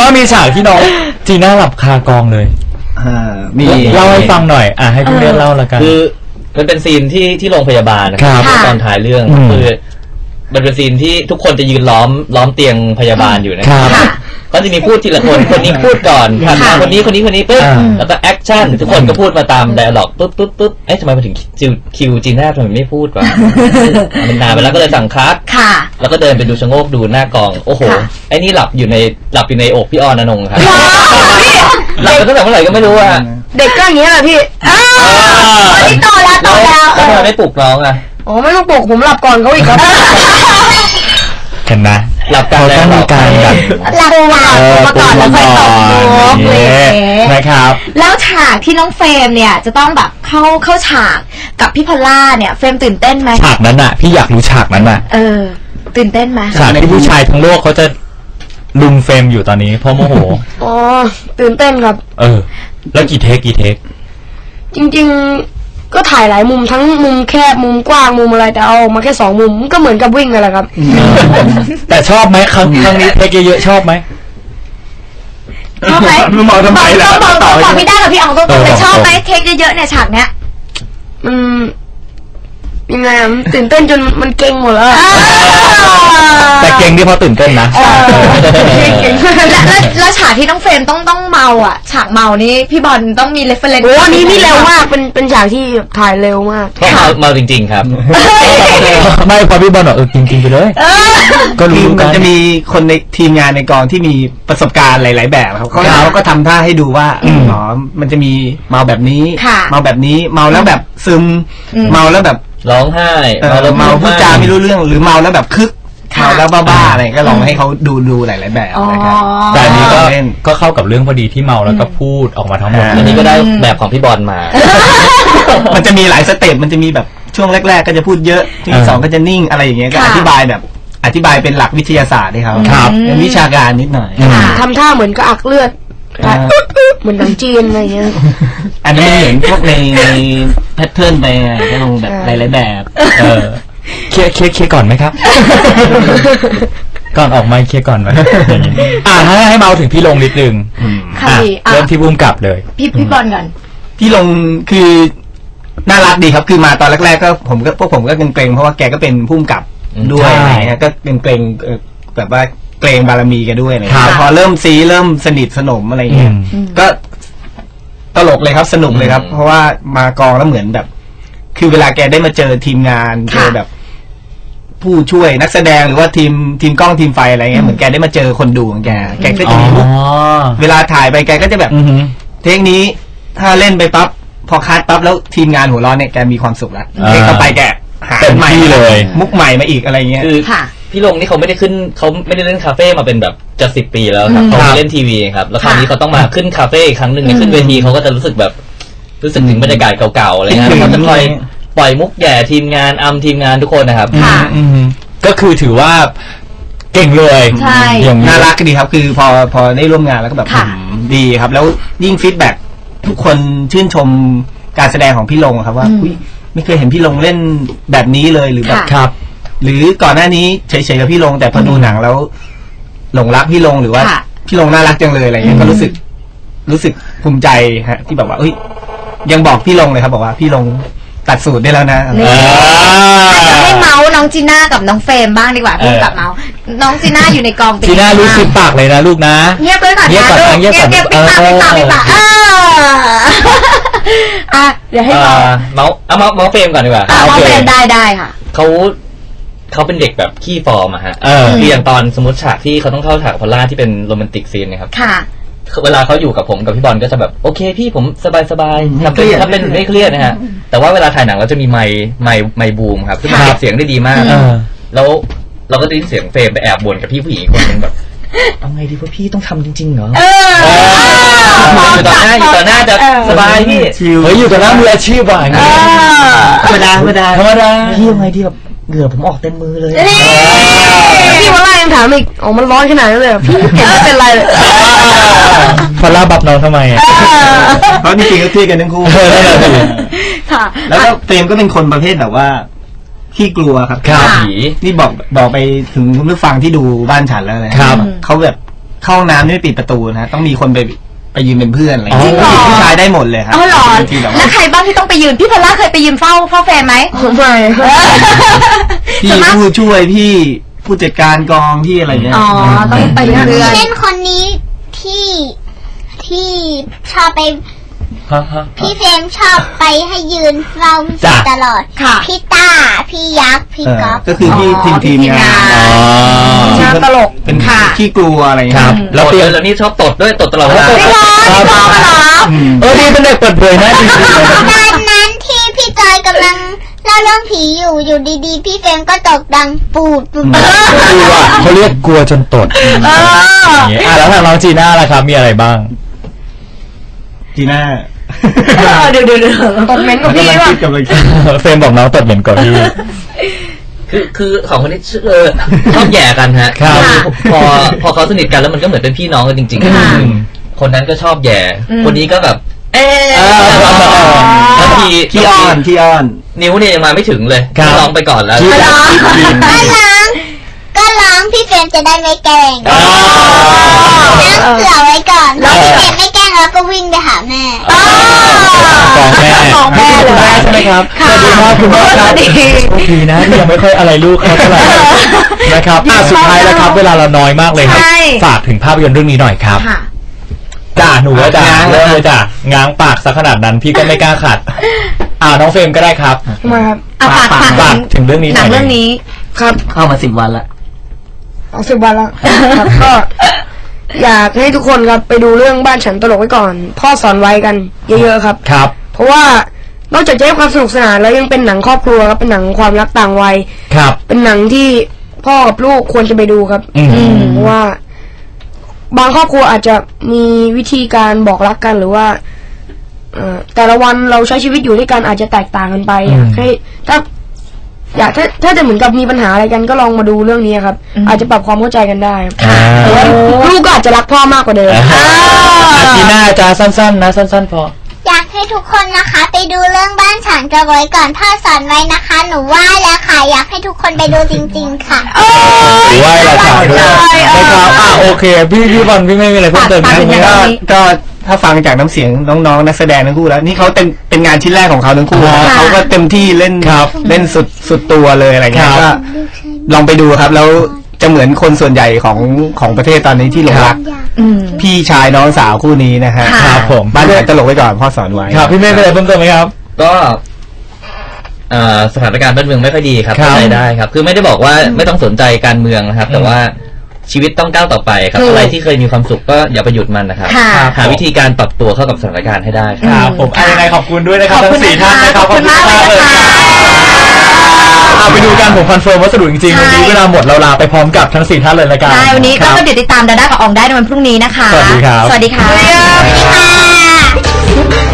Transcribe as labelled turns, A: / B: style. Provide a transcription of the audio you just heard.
A: ว่ามีฉากที่น้องจีน่าหลับคากองเลย
B: มี
A: เล่าให้ฟังหน่อยให้พี่เล่นเล่าละกัน
C: คือมันเป็นซีนที่โรงพยาบาลนะครับตอนถ่ายเรื่องคือมันเป็นซีนที่ทุกคนจะยืนล้อมเตียงพยาบาลอยู่นะครับก็จะมีพูดทีละคนคนนี้พูดก่อนคนนี้ปุ๊บแล้วก็แอคชั่นทุกคนก็พูดมาตามไดอะล็อกปุ๊บทำไมมาถึงคิวจีน่าทำไมไม่พูดวะมันนานไปแล้วก็เลยสั่งคัดแล้วก็เดินไปดูชะโงกดูหน้ากองโอ้โหไอ้นี่หลับอยู่ในอกพี่ออนอนงครับหลับไปตั้งแต่เมื่อไหร่ก็ไม่รู้อะ
D: เด็กก็อย่างเงี้ยแหละพี่นี่โตแล้ว
C: แล้วทำไมไม่ปลุกน้องอะ
D: อ๋อไม่ต้องปลุกผมหลับก่อนเขาอีกครับ
A: เห็นนะ
C: หลับกัน
A: แล้วมีการแบบ
D: หลับมาก่อนแล้วค่อยตกมุกเลย
A: นะครับ
D: แล้วฉากที่น้องเฟรมเนี่ยจะต้องแบบเข้าฉากกับพี่พอลล่าเนี่ยเฟรมตื่นเต้นไหม
A: ฉากนั้นอะพี่อยากรู้ฉากนั้นอะ
D: ตื่นเต้นไหม
A: ฉากที่ผู้ชายทั้งโลกเขาจะลุมเฟรมอยู่ตอนนี้เพราะโมโห
D: อ๋อตื่นเต้นครับ
A: แล้วกี่เทค
D: จริงๆก็ถ่ายหลายมุมทั้งมุมแคบมุมกว้างมุมอะไรแต่เอามาแค่2 มุมก็เหมือนกับวิ่งนั่นแหละครับ
A: แต่ชอบไหมครั้งนี้เทคเยอะๆชอบไหม
D: ชอบไหม
A: มองทำไมล่ะ
D: บอกไม่ได้กับพี่อ๋องตรงๆเลยชอบไหมเทคเยอะๆเนี่ยฉากเนี้ยยังไงตื่นเต้นจนมันเก่งหมดแล้ว
A: แต่เก่งที่เพราะตื่นเต้นนะ
D: แล้วฉากที่น้องเฟรมต้องเมาอ่ะฉากเมานี้พี่บอลต้องมีเรฟเฟอเรนซ์
E: โอ้นี่เร็วมากเป็นฉากที่ถ่ายเร็วมาก
C: เมาจริงๆครับ
A: ไม่พอพี่บอลบอกจริงๆไปเลย
B: ก็รู้มันจะมีคนในทีมงานในกองที่มีประสบการณ์หลายๆแบบครับเขาก็ทำท่าให้ดูว่ามันจะมีเมาแบบนี้เมาแบบนี้เมาแล้วแบบซึมเมาแล้วแบบ
C: ร้องไห้
B: เมาพูดจาไม่รู้เรื่องหรือเมาแล้วแบบคึกเมาแล้วบ้าๆอะไรก็ลองให้เขาดูหลายๆแบบนะครับ
A: แต่อันนี้ก็เข้ากับเรื่องพอดีที่เมาแล้วก็พูดออกมาทั้งหมด
C: อันนี้ก็ได้แบบของพี่บอลมา
B: มันจะมีหลายสเต็ปมันจะมีแบบช่วงแรกๆก็จะพูดเยอะช่วงที่2ก็จะนิ่งอะไรอย่างเงี้ยก็อธิบายเป็นหลักวิทยาศาสตร์ให้เขาเป็นวิชาการนิดหน่อย
E: ทำท่าเหมือนกระอักเลือดเหมือนหนังจีนอะไรเงี้ย
B: อันนี้เหมือนพวกในแพทเทิร์นไปก็ลงแบบหลายๆแบบ
A: เคลียร์ก่อนไหมครับก่อนออกมาเคลียร์ก่อนไหมให้เมาถึงพี่ลงนิดนึงเริ่มที่บุ้มกลับเลย
D: พี่บอลก่อน
B: พี่ลงคือน่ารักดีครับคือมาตอนแรกๆก็พวกผมก็เกรงเพราะว่าแกก็เป็นผู้กำกับด้วยนะก็เป็นเกรงแบบว่าเกรงบารมีแกด้วยเลยพอเริ่มสนิทสนมอะไรเงี้ยก็ตลกเลยครับสนุกเลยครับเพราะว่ามากองแล้วเหมือนแบบคือเวลาแกได้มาเจอทีมงานเจอแบบผู้ช่วยนักแสดงหรือว่าทีมกล้องทีมไฟอะไรเงี้ยเหมือนแกได้มาเจอคนดูของแกก็จะมีเวลาถ่ายไปแกก็จะแบบเทคนี้ถ้าเล่นไปปั๊บพอคัดปั๊บแล้วทีมงานหัวเราะเนี่ยแกมีความสุขแล้วเทคต่อไปแกหาใหม่เลยมุกใหม่มาอีกอะไรเงี้ย
C: คือพี่ลงนี่เขาไม่ได้เล่นคาเฟ่มาเป็นแบบจะ10 ปีแล้วครับเขาเล่นทีวีครับแล้วคราวนี้เขาต้องมาขึ้นคาเฟ่อีกครั้งหนึ่งขึ้นเวทีเขาก็จะรู้สึกถึงบรรยากาศเก่าๆอะไรเงี้ยเขาจะคอยปล่อยมุกแย่ทีมงานทีมงานทุกคนนะครับ
A: ก็คือถือว่าเก่งเลย
B: อย่างน่ารักดีครับคือพอได้ร่วมงานแล้วก็แบบดีครับแล้วยิ่งฟีดแบ็กทุกคนชื่นชมการแสดงของพี่ลงครับว่าไม่เคยเห็นพี่ลงเล่นแบบนี้เลยหรือแบบ
A: ครับ
B: หรือก่อนหน้านี้เฉยๆกับพี่ลงแต่พอดูหนังแล้วหลงรักพี่ลงหรือว่าพี่ลงน่ารักจังเลยอะไรเงี้ยก็รู้สึกภูมิใจฮะที่แบบว่ายังบอกพี่ลงเลยครับบอกว่าพี่ลงตัดสูตรได้แล้วนะ
D: จะให้เมาส์น้องจีน่ากับน้องเฟรมบ้างดีกว่าพี่กับเมาส์น้องจีน่าอยู่ในกอง
A: จีน่ารู้สึกปากเลยนะลูกนะ
D: เงียบเลยก่อนนะลูกเงียบปิดปากเดี๋ยวให้เ
C: มาส์เฟรมก่อนดีกว่า
D: เมาส์เฟรมได้ค่ะ
C: เขาเป็นเด็กแบบขี้ฟอร์มอะฮะคืออย่างตอนสมมติฉากที่เขาต้องเข้าฉากพอลล่าที่เป็นโรแมนติกซีนนะครับเวลาเขาอยู่กับผมกับพี่บอลก็จะแบบโอเคพี่ผมสบายๆทำเป็นไม่เครียดนะฮะแต่ว่าเวลาถ่ายหนังเราจะมีไมค์บูมครับซึ่งมันเก็บเสียงได้ดีมากแล้วเราก็ได้ยินเสียงเฟรมไปแอบบ่นกับพี่ผู้หญิงคนนึงแบบเอาไงดีว่าพี่ต้องทำจริงๆเหรออยู่ต่อหน้าจะสบายพี่
A: อยู่ต่อหน้ามืออาชีพว่ะอย่างเงี้ย
B: ธรรมดา
C: พี่ยังไงดีแบบเหงื่อผมออกเต็มมือเลย
E: พี่พอลล่ายังถามอีกมันร้อนขนาดนั้นเลยพี่เห็นไม่เป็นไรเลย
A: พอลล่าบับน้องทำไม
B: เพราะจริงๆก็เที่ยกันทั้งคู่แล้วก็เฟรมก็เป็นคนประเภทแบบว่าขี้กลัวครับ
A: ผี
B: นี่บอกไปถึงคุณผู้ฟังที่ดูบ้านฉันแล้วเลยเขาแบบเข้าห้องน้ำไม่ปิดประตูนะต้องมีคนไปยืนเป็นเพื่อนอะไรอย่าง
F: จริ
B: เงี้
F: ง
B: ย
F: เหรอ
B: ผู้ชายได้หมดเลยครับ
F: อ๋อเหรอ
B: ที่แบบ
F: แล้วใครบ้างที่ต้องไปยืนพี่พอลล่าเคยไปยืนเฝ้าแฟนไหม
D: ไม่
B: พี่ผู้ช่วยพี่ผู้จัดการกองที่อะไรเงี้ย
F: อ๋อต้องไปเรื่อย
G: เช่นคนนี้ที่ชอบไป พี่เฟรมชอบไปให้ยืนเฝ้าตลอด
F: ค่ะ
G: พี่ต้าพี่ยักษ์พี่ก๊อฟ
B: ก็คือพี่ทีมงาน
F: งานตลก
B: เป็น
F: ค่ะ
B: ขี้กลัวอะไรเงี้
A: ค
B: ย
A: รับ
C: แล้วเตียแล้วนี่ชอบตดด้วยตดตลอดเวลา
F: ไม่ร้อนไม่ร้อนเหรอ
A: นี่เป็นเด็กเปิดเผยนะจริงๆเลย
G: ตอนนั้นที่พี่จอยกำลังเล่าเรื่องผีอยู่ดีๆพี่เฟรมก็ตกดังปูด
A: กลัวเขาเรียกกลัวจนตดอย่างเงี้ยแล้วทางน้องจีน่าล่ะครับมีอะไรบ้าง
B: จีน่า
F: เดี๋ยว
D: ตดเหม็นกับพี่
B: กำลัง
D: ว่ะ
B: คิดกำลังคิด
A: เฟรมบอกน้องตดเหม็นกว่าพี่
C: คือของคนนี้ชอบแย่กันฮะ
A: ครับ
C: พอเขาสนิทกันแล้วมันก็เหมือนเป็นพี่น้องกันจริง
F: ค่ะ
C: ๆคนนั้นก็ชอบแย่คนนี้ก็แบบ บางที
B: ขี้อ้อน
C: นิ้วเนี่ยยังมาไม่ถึงเลย
A: ครับ
C: ร้องไปก่อนแล้ว
G: ก็ร้องพี่เฟรมจะได้ไม่แกล้งนั่งเผื่อไว้ก่อนแล้วพี่เฟรมไม่แกล้งแล้วก็วิ่งไปหาแม่
A: ของแม่เลยใช่ไหมครับสวัสดีครับคุณแม่ครับโชคดีนะที่ยังไม่ค่อยอะไรลูกเขาเท่าไหร่นะครับสุดท้ายแล้วครับเวลาเราน้อยมากเลยครับฝากถึงภาพยนตร์เรื่องนี้หน่อยครับ
F: ค่ะ
A: จ้าหนูว่าจ้าเริ่มเลยจ้าง้างปากซะขนาดนั้นพี่ก็ไม่กล้าขัดน้องเฟรมก็ได้ครับ
D: มาครับ
A: ฝากถึงเรื่องนี้
F: หนังเรื่องนี้
D: ครับ
B: เข้ามา10 วันละ
D: 20 วันแล้วครับก็อยากให้ทุกคนครับไปดูเรื่องบ้านฉันตลกไว้ก่อน พ่อสอนไว้กันเยอะๆครับ
A: ครับ
D: เพราะว่านอกจากจะให้ความสนุกสนานแล้วยังเป็นหนังครอบครัวครับเป็นหนังความรักต่างวัย
A: ครับ
D: เป็นหนังที่พ่อกับลูกควรจะไปดูครับ เพราะว่า บางครอบครัวอาจจะมีวิธีการบอกรักกันหรือว่าแต่ละวันเราใช้ชีวิตอยู่ด้วยกันอาจจะแตกต่างกันไปอยากให้ถ้าจะเหมือนกับมีปัญหาอะไรกันก็ลองมาดูเรื่องนี้ครับ อาจจะปรับความเข้าใจกันได้แต่ว่าลูกก็อาจจะรักพ่อมากกว่าเดิม
A: จีน่าจ้าสั้นๆนะสั้นๆพอ
G: อยากให้ทุกคนนะคะไปดูเรื่องบ้านฉันจะไว้ก่อนพ่อสอนไว้นะคะ หนูว่าแล้วค่ะอยากให้ทุกคนไปดูจริงๆค่ะ
A: หรือว่าเราถามด้วยนะครับโอเคพี่บอลพี่ไม่มีอะไรเพิ่มเติมนะ
B: ก็ถ้าฟังจากน้ำเสียงน้องๆนักแสดงทั้งคู่แล้วนี่เขาเป็นงานชิ้นแรกของเขาทั้งคู่เขาก็เต็มที่เล่นสุดตัวเลยอะไรเงี้ยก็ลองไปดูครับแล้วจะเหมือนคนส่วนใหญ่ของประเทศตอนนี้ที่หลงรักพี่ชายน้องสาวคู่นี้นะฮะ
A: ครับผม
B: บ้านฉันตลกไว้ก่อนพ่อสอนไว้
A: ครับพี่เมฆมีอะไรเพิ่มเติมไหมครับ
C: ก็สถานการณ์บ้านเมืองไม่ค่อยดีครับเข้าใจได้ครับคือไม่ได้บอกว่าไม่ต้องสนใจการเมืองนะครับแต่ว่าชีวิตต้องก้าวต่อไปครับอะไรที่เคยมีความสุขก็อย่าไปหยุดมันนะครับหาวิธีการปรับตัวเข้ากับสถานการณ์ให้ได้
A: ครับผมยังไงขอบคุณด้วยนะครับทั้ง4ท่านนะครับขอบคุณมากเลยไปดูกันผมคอนเฟิร์มว่าสนุกจริงๆวันนี้เวลาหมดเราลาไปพร้อมกับทั้ง4ท่านเลยละกัน
F: ใช่วันนี้ก็เดี๋ยวติดตามดาด้ากับอองได้ในวันพรุ่งนี้นะคะ
A: สวัสดีครับ
F: สวัสดีค่ะ